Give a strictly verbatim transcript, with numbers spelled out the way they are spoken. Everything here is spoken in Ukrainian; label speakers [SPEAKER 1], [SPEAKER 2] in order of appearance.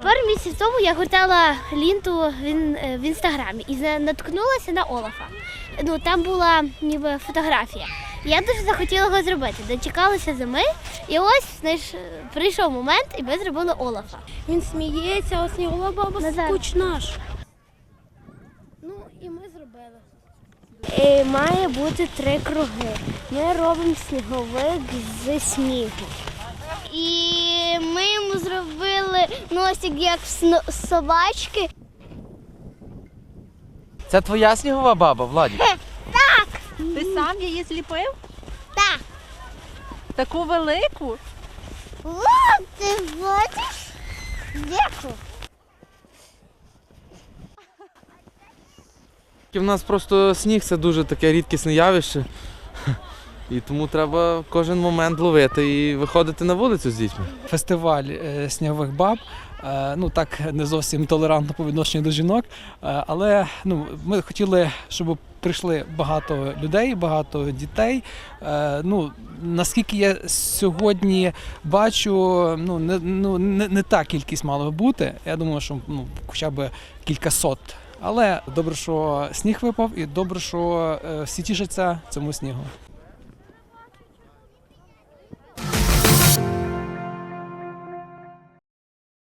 [SPEAKER 1] Пару місяців тому я гортала лінту в інстаграмі і наткнулася на Олафа. Ну, там була ніби фотографія. Я дуже захотіла його зробити, дочекалася зими, і ось знаєш, прийшов момент, і ми зробили Олафа.
[SPEAKER 2] Він сміється, а снігова баба скучна ж.
[SPEAKER 1] Ну, і ми зробили. І має бути три круги. Ми робимо сніговик зі снігу. І ми йому зробили носик, як в собачки.
[SPEAKER 3] Це твоя снігова баба, Владик?
[SPEAKER 1] Так!
[SPEAKER 2] Ти сам її зліпив?
[SPEAKER 1] Так.
[SPEAKER 2] Таку велику?
[SPEAKER 1] О, ти бачиш? Яку?
[SPEAKER 3] У нас просто сніг – це дуже таке рідкісне явище. І тому треба кожен момент ловити і виходити на вулицю з дітьми.
[SPEAKER 4] Фестиваль е, снігових баб, е, ну так не зовсім толерантно по відношенню до жінок, е, але ну, ми хотіли, щоб прийшли багато людей, багато дітей. Е, ну, наскільки я сьогодні бачу, ну, не, ну, не, не та кількість мала би бути. Я думаю, що ну, хоча б кількасот. Але добре, що сніг випав, і добре, що е, всі тішаться цьому снігу.